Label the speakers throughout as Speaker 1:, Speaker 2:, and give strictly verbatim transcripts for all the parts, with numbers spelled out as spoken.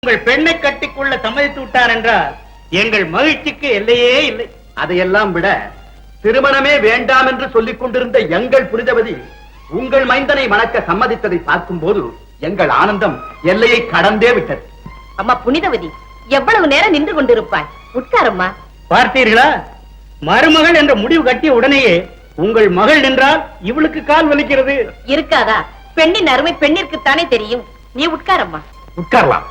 Speaker 1: உங்கள் பெண்ணை கட்டிக்கொள்ள சம்மதித்து விட்டார் என்றால் எங்கள் மகிழ்ச்சிக்கு எல்லையே இல்லை.
Speaker 2: அதையெல்லாம் விட திருமணமே வேண்டாம் என்று சொல்லிக் கொண்டிருந்த எங்கள் புனிதவதி உங்கள் மைந்தனை மணக்க சம்மதித்ததை பார்க்கும் போது எங்கள் ஆனந்தம் எல்லையை கடந்தே விட்டது.
Speaker 3: அம்மா புனிதவதி, எவ்வளவு நேரம் நின்று கொண்டிருப்பாய்? உட்காரம்மா.
Speaker 1: பார்த்தீர்களா, மருமகள் என்ற முடிவு கட்டிய உடனேயே உங்கள் மகள் நின்றால் இவளுக்கு கால் வலிக்கிறது.
Speaker 3: இருக்காதா? பெண்ணின் அருமை பெண்ணிற்குத்தானே தெரியும். நீ உட்காரம்மா.
Speaker 2: உட்காரலாம்.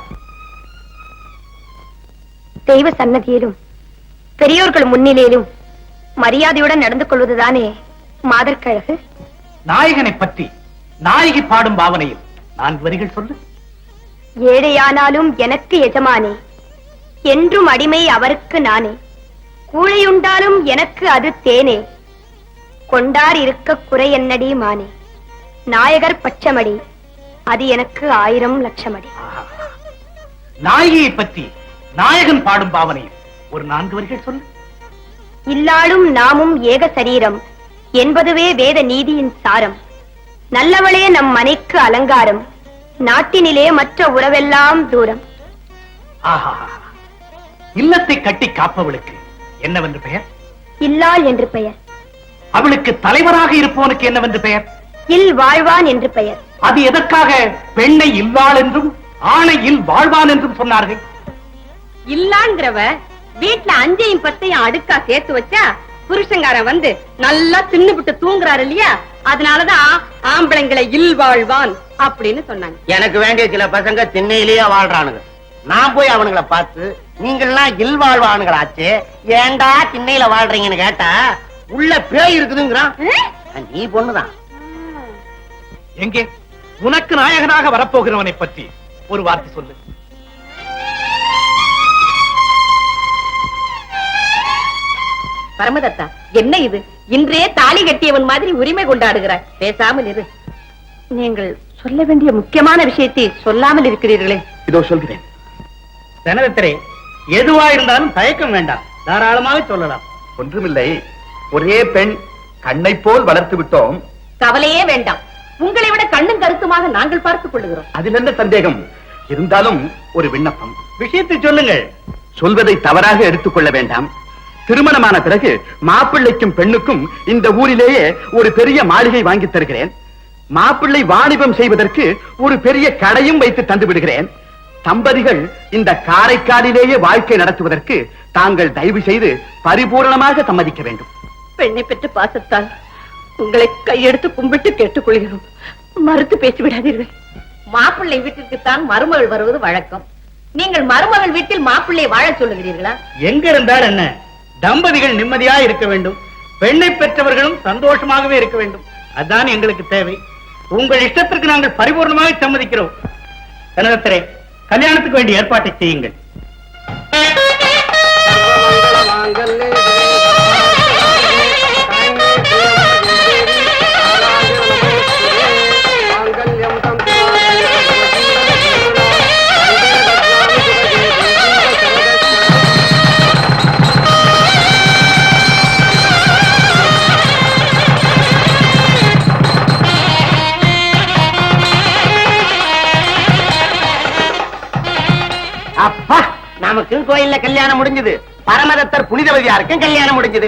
Speaker 4: தெய்வ சன்னதியிலும் பெரியோர்கள் முன்னிலையிலும் மரியாதையுடன் நடந்து கொள்வதுதானே மாதர்கழகு.
Speaker 2: நாயகனை பற்றி நாயகி பாடும் பாவனையில் நான்கு வரிகள் சொல்லு.
Speaker 4: ஏழையானாலும் எனக்கு எஜமானே, என்றும் அடிமை அவருக்கு நானே, கூழையுண்டாலும் எனக்கு அது தேனே, கொண்டார் இருக்க குறை என்னடி மானே, நாயகர் பச்சமடி அது எனக்கு ஆயிரம் லட்சமடி.
Speaker 2: நாயகியை பற்றி நாயகன் பாடும் பாவனையில் ஒரு நான்கு வரிகள் சொல்லு.
Speaker 4: இல்லாலும் நாமும் ஏக சரீரம் என்பதுவே வேத நீதியின் சாரம், நல்லவளே நம் மனைக்கு அலங்காரம், நாட்டினிலே மற்ற உறவெல்லாம் தூரம்.
Speaker 2: ஆஹா, இல்லத்தை கட்டி காப்பவளுக்கு என்னவென்று பெயர்?
Speaker 4: இல்லாள் என்று பெயர்.
Speaker 2: அவளுக்கு தலைவராக இருப்பவனுக்கு என்னவென்று பெயர்?
Speaker 4: இல் வாழ்வான் என்று பெயர்.
Speaker 2: அது எதற்காக பெண்ணை இல்லாள் என்றும் ஆணை இல் வாழ்வான் என்றும் சொன்னார்கள்?
Speaker 3: இல்லாங்கிறவ வீட்டுல அஞ்சையும் பத்தையும் அடுக்கா சேர்த்து வச்சா புருஷங்காரன் வந்து நல்லா தின்னுபிட்டு தூங்குறாரு இல்லையா, அதனாலதான் ஆம்பளைங்களை இல் வாழ்வான் அப்படின்னு சொன்னாங்க.
Speaker 5: எனக்கு வேண்டிய சில பசங்க திண்ணையிலேயே வாழ்றானுங்க. நான் போய் அவனுங்களை பார்த்து நீங்கெல்லாம் இல் வாழ்வானுங்களாச்சு, ஏண்டா திண்ணையில வாழ்றீங்கன்னு கேட்டா உள்ள பேய் இருக்குதுங்கிறான். நீ பொண்ணுதான்.
Speaker 2: எங்கே உனக்கு நாயகனாக வரப்போகிறவனை பற்றி ஒரு வார்த்தை சொல்லு.
Speaker 3: பரமதத்தா, என்ன இது? இன்றே தாலி கட்டியவன் மாதிரி உரிமை கொண்டாடுகிறாய். பேசாமல் இரு. நீங்கள் சொல்ல வேண்டிய முக்கியமான விஷயத்தை சொல்லாமல் இருக்கிறீர்களே.
Speaker 2: இதோ சொல்கிறேன்.
Speaker 1: தனதத்திரே, எதுவா இருந்தாலும் தயக்கம் வேண்டாம், தாராளமாக சொல்லலாம்.
Speaker 2: ஒன்றுமில்லை, ஒரே பெண் கண்ணை போல் வளர்த்து விட்டோம்.
Speaker 3: கவலையே வேண்டாம், உங்களை விட கண்ணும் கருத்துமாக நாங்கள் பார்த்துக் கொள்ளுகிறோம்.
Speaker 2: அதில் என்ன சந்தேகம்? இருந்தாலும் ஒரு விண்ணப்பம்.
Speaker 1: விஷயத்தை சொல்லுங்கள்.
Speaker 2: சொல்வதை தவறாக எடுத்துக்கொள்ள வேண்டாம். திருமணமான பிறகு மாப்பிள்ளைக்கும் பெண்ணுக்கும் இந்த ஊரிலேயே ஒரு பெரிய மாளிகை வாங்கி தருகிறேன். மாப்பிள்ளை வாணிபம் செய்வதற்கு ஒரு பெரிய கடையும் வைத்து தந்து விடுகிறேன். தம்பதிகள் இந்த காரைக்காலிலேயே வாழ்க்கை நடத்துவதற்கு தாங்கள் தயவு செய்து பரிபூரணமாக சம்மதிக்க வேண்டும்.
Speaker 3: பெண்ணை பெற்ற பாசத்தால் உங்களை கையெடுத்து கும்பிட்டு கேட்டுக்கொள்கிறோம். மறுத்து பேசிவிடாதீர்கள். மாப்பிள்ளை வீட்டிற்குத்தான் மருமகள் வருவது வழக்கம். நீங்கள் மருமகள் வீட்டில் மாப்பிள்ளை வாழ சொல்லுகிறீர்களா?
Speaker 1: எங்க இருந்தால் என்ன, தம்பதிகள் நிம்மதியா இருக்க வேண்டும், பெண்ணை பெற்றவர்களும் சந்தோஷமாகவே இருக்க வேண்டும். அதுதான் எங்களுக்கு தேவை. உங்கள் இஷ்டத்திற்கு நாங்கள் பரிபூர்ணமாக சம்மதிக்கிறோம். தனதத்திரே, கல்யாணத்துக்கு வேண்டிய ஏற்பாட்டை செய்யுங்கள்.
Speaker 5: அப்பா, நமக்கு கோயில்ல கல்யாணம் முடிஞ்சது. பரமதத்தர் புனிதவதியாருக்கும் கல்யாணம் முடிஞ்சது.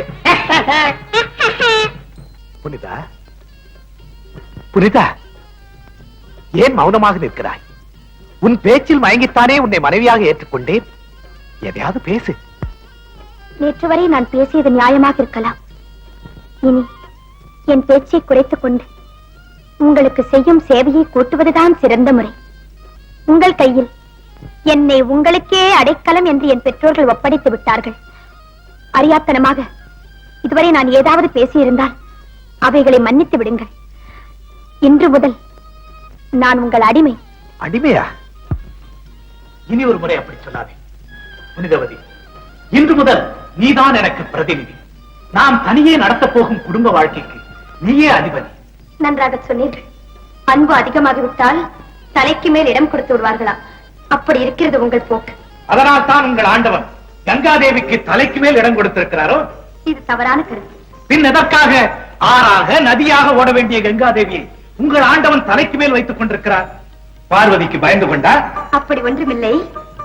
Speaker 2: புனிதா, புனிதா, ஏன் மௌனமாக நிற்கிறாய்? உன் பேச்சில் மயங்கித்தானே உன்னை மனைவியாக ஏற்றுக்கொண்டேன். எதையாவது பேசு.
Speaker 4: நேற்று வரை நான் பேசியது நியாயமாக இருக்கலாம். இனி என் பேச்சை குறைத்துக் கொண்டு உங்களுக்கு செய்யும் சேவையை கூட்டுவதுதான் சிறந்த முறை. உங்கள் கையில் என்னை உங்களுக்கே அடைக்கலம் என்று என் பெற்றோர்கள் ஒப்படைத்து விட்டார்கள். அறியாத்தனமாக இதுவரை நான் ஏதாவது பேசியிருந்தால் அவைகளை மன்னித்து விடுங்கள். இன்று முதல் நான் உங்கள் அடிமை.
Speaker 2: அடிமையா? இனி ஒரு முறை அப்படி சொல்லாதே புனிதவதி. இன்று முதல் நீதான் எனக்கு பிரதிநிதி. நாம் தனியே நடத்தப் போகும் குடும்ப வாழ்க்கைக்கு நீயே அதிபதி.
Speaker 4: நன்றாக சொன்னீர்கள். அன்பு அதிகமாகிவிட்டால் தலைக்கு மேல் இடம் கொடுத்து விடுவார்களா? அப்படி இருக்கிறது உங்கள் போக்கு.
Speaker 2: அதனால் தான் உங்கள் ஆண்டவன் கங்காதேவிக்கு தலைக்கு மேல் இடம் கொடுத்திருக்கிறாரோ?
Speaker 4: இது தவறான கருத்து.
Speaker 2: பின் எதற்காக ஆறாக நதியாக ஓட வேண்டிய கங்காதேவியை உங்கள் ஆண்டவன் தலைக்கு மேல் வைத்துக் கொண்டிருக்கிறார்? பார்வதிக்கு பயந்து கொண்டா?
Speaker 4: அப்படி ஒன்றுமில்லை.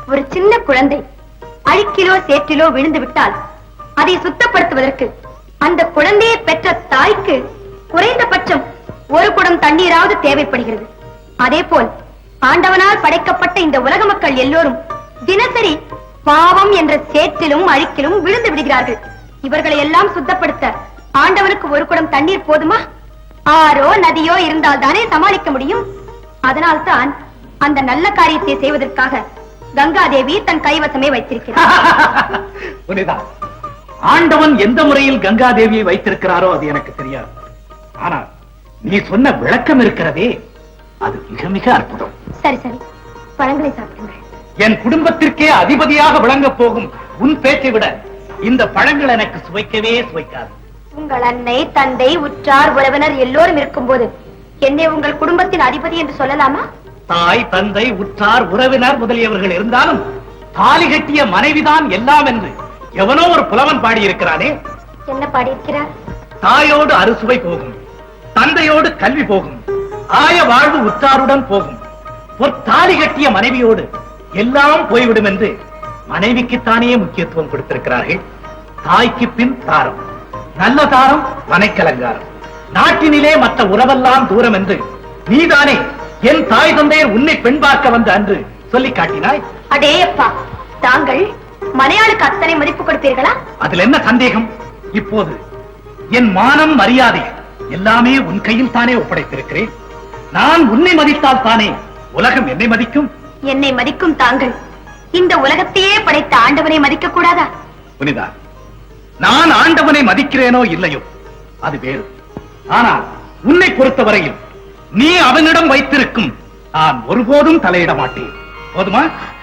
Speaker 4: ஒரு சின்ன குழந்தை அழுக்கிலோ சேற்றிலோ விழுந்து விட்டால் அதை சுத்தப்படுத்துவதற்கு அந்த குழந்தையை பெற்ற தாய்க்கு குறைந்தபட்சம் ஒரு குடம் தண்ணீராவது தேவைப்படுகிறது. அதே போல் ஆண்டவனால் படைக்கப்பட்ட இந்த உலக மக்கள் எல்லோரும் தினசரி பாவம் என்ற சேற்றிலும் அழுக்கிலும் விழுந்து விடுகிறார்கள். இவர்களை எல்லாம் சுத்தப்படுத்த ஆண்டவனுக்கு ஒரு குடம் தண்ணீர் போதுமா? ஆறோ நதியோ இருந்தால் தானே சமாளிக்க முடியும். அதனால்தான் அந்த நல்ல காரியத்தை செய்வதற்காக கங்காதேவி தன் கைவசமே வைத்திருக்கிறார்.
Speaker 1: புனிதா, ஆண்டவன் எந்த முறையில் கங்காதேவியை வைத்திருக்கிறாரோ அது எனக்கு தெரியாது. ஆனால் நீ சொன்ன விளக்கம் இருக்கிறதே, அது மிக மிக அற்புதம்.
Speaker 4: சரி சரி, பழங்களை சாப்பிடுங்கள்.
Speaker 1: என் குடும்பத்திற்கே அதிபதியாக விளங்கப் போகும் உன் பேச்சை விட இந்த பழங்கள் எனக்கு சுவைக்கவே சுவைக்காது.
Speaker 4: உங்கள் அன்னை, தந்தை, உற்றார், உறவினர் எல்லோரும் இருக்கும் போது என்னை உங்கள் குடும்பத்தின் அதிபதி என்று சொல்லலாமா?
Speaker 1: தாய், தந்தை, உற்றார், உறவினர் முதலியவர்கள் இருந்தாலும் தாலி கட்டிய மனைவிதான் எல்லாம் என்று எவனோ ஒரு புலவன் பாடியிருக்கிறானே.
Speaker 4: என்ன பாடியிருக்கிறார்?
Speaker 1: தாயோடு அறுசுவை போகும், தந்தையோடு கல்வி போகும், ஆய வாழ்வு உற்றாருடன் போகும், ஒரு தாலி கட்டிய மனைவியோடு எல்லாம் போய்விடும் என்று மனைவிக்குத்தானே முக்கியத்துவம் கொடுத்திருக்கிறார்கள். தாய்க்கு பின் தாரம், நல்ல தாரம் மனைக்கலங்காரம், நாட்டினிலே மற்ற உறவெல்லாம் தூரம் என்று நீதானே என் தாய் தந்தையர் உன்னை பெண் பார்க்க வந்த அன்று சொல்லி காட்டினாய்.
Speaker 4: அடேயப்பா, தாங்கள் மனையாளுக்கு அத்தனை மதிப்பு கொடுப்பீர்களா?
Speaker 1: அதில் என்ன சந்தேகம்? இப்போது என் மானம், மரியாதை எல்லாமே உன் கையில் தானே ஒப்படைத்திருக்கிறேன். நான் உன்னை மதித்தால் தானே உலகம் என்னை மதிக்கும்.
Speaker 4: என்னை மதிக்கும் தாங்கள் இந்த உலகத்தையே படைத்த ஆண்டவனை மதிக்க கூடாதா?
Speaker 1: புனிதா, நான் ஆண்டவனை மதிக்கிறேனோ இல்லையோ அது வேறு. ஆனால் உன்னை பொறுத்தவரையில் நீ அவனிடம் வைத்திருக்கும் நான் ஒருபோதும் தலையிட மாட்டேன். போதுமா?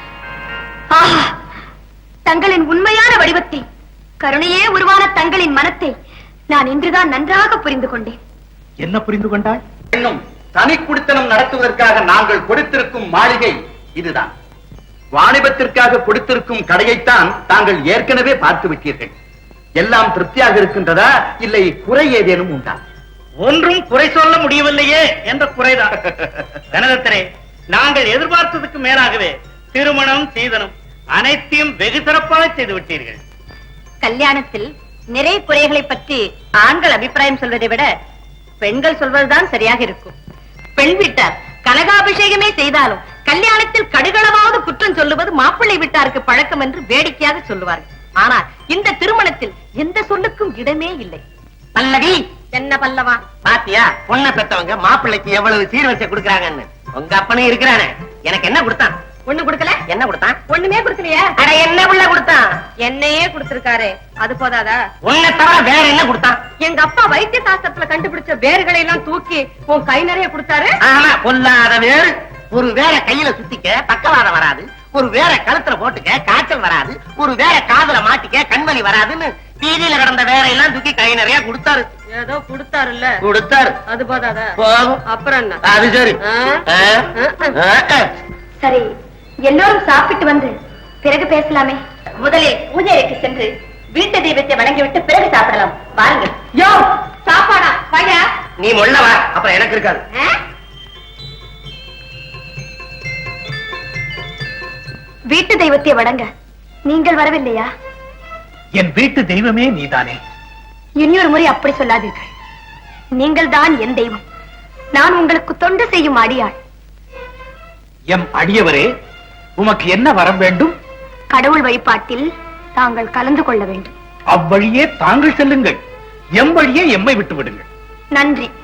Speaker 4: ஆஹா, தங்களின் உண்மையான வடிவத்தை, கருணையே உருவான தங்களின் மனத்தை நான் இன்றுதான் நன்றாக புரிந்து கொண்டேன்.
Speaker 1: என்ன புரிந்து கொண்டாள்?
Speaker 2: இன்னும் தனி குடித்தனம் நடத்துவதற்காக நாங்கள் கொடுத்திருக்கும் மாளிகை இதுதான். வாணிபத்திற்காக கொடுத்திருக்கும் கடையைத்தான் தாங்கள் ஏற்கனவே பார்த்து விட்டீர்கள். எல்லாம் திருப்தியாக இருக்கின்றதா, இல்லை குறை ஏதேனும் உண்டா?
Speaker 1: ஒன்றும் குறை சொல்ல முடியவில்லையே என்ற குறைதான். கனகத்திரே, நாங்கள் எதிர்பார்த்ததுக்கு மேலாகவே திருமணம், சீதனம் அனைத்தையும் வெகு சிறப்பாக செய்து விட்டீர்கள்.
Speaker 3: கல்யாணத்தில் நிறைய குறைகளை பற்றி ஆண்கள் அபிப்பிராயம் சொல்வதை விட பெண்கள் சொல்வதுதான் சரியாக இருக்கும். பெண் வீட்டார் கனகாபிஷேகமே செய்தாலும் கல்யாணத்தில் கடுகளவாவது குற்றம் சொல்லுவது மாப்பிள்ளை வீட்டாருக்கு பழக்கம் என்று வேடிக்கையாக சொல்லுவார்கள். ஆனால் இந்த திருமணத்தில் எந்த சொல்லுக்கும் இடமே இல்லை.
Speaker 5: பல்லவி,
Speaker 3: என்ன பல்லவா?
Speaker 5: பாத்தியா பொண்ணை பெத்தவங்க மாப்பிள்ளைக்கு எவ்வளவு சீர்வரிசை கொடுக்கறாங்கன்னு. உங்க அப்பனே இருக்கிறானே, எனக்கு என்ன கொடுத்தான்?
Speaker 3: ஒண்ணு கொடுக்கல.
Speaker 5: என்ன கொடுத்தான்?
Speaker 3: ஒண்ணுமே கொடுக்கலையா?
Speaker 5: அட என்ன புள்ள கொடுத்தான்?
Speaker 3: என்னையே கொடுத்திருக்காரு, அது போதாதா?
Speaker 5: உன்னை தவிர வேற என்ன கொடுத்தான்?
Speaker 3: எங்க அப்பா வைத்திய சாஸ்திரத்துல கண்டுபிடிச்ச வேர்களை எல்லாம் தூக்கி உன் கை நிறைய கொடுத்தாரு.
Speaker 5: ஆமா, பொல்லாத வேறு. ஒரு வேற கையில சுத்திக்க பக்கவாதம் வராது, ஒரு வேற கழுத்துல போட்டுக்க காய்ச்சல் வராது, ஒரு வேற காதுல மாட்டிக்க கண்வலி வராதுன்னு வீதியில கடந்த வேற எல்லாம் தூக்கி கை நிறைய கொடுத்தாரு.
Speaker 3: ஏதோ கொடுத்தாருல்ல,
Speaker 5: கொடுத்தாரு.
Speaker 3: அது போதாதா?
Speaker 5: போதும்.
Speaker 3: அப்புறம் என்ன?
Speaker 5: அது சரி.
Speaker 3: ஆ?
Speaker 5: ஆ? ஆ, ஆ.
Speaker 4: சரி, எல்லோரும் சாப்பிட்டு வந்து பிறகு பேசலாமே. முதலில் பூஜை அறைக்கு சென்று வீட்டு தெய்வத்தை வணங்கிவிட்டு பிறகு சாப்பிடலாம். வாருங்கள்.
Speaker 3: யோ, சாப்பாடா? வாயா.
Speaker 5: நீ முள்ளவா, அப்புறம் எனக்கு இருக்காது.
Speaker 4: ஆ? வீட்டு தெய்வத்தை வணங்க நீங்கள் வரவில்லையா?
Speaker 1: என் வீட்டு தெய்வமே நீதானே.
Speaker 4: இனியொரு முறை அப்படி சொல்லாதீர்கள். நீங்கள் தான் என் தெய்வம். நான் உங்களுக்கு தொண்டு செய்யும் அடியாள்.
Speaker 1: எம் அடியவரே, உமக்கு என்ன வரம் வேண்டும்?
Speaker 4: கடவுள் வழிபாட்டில் தாங்கள் கலந்து கொள்ள வேண்டும்.
Speaker 1: அவ்வழியே தாங்கள் செல்லுங்கள், எம் வழியே எம்மை விட்டு விடுங்கள்.
Speaker 4: நன்றி.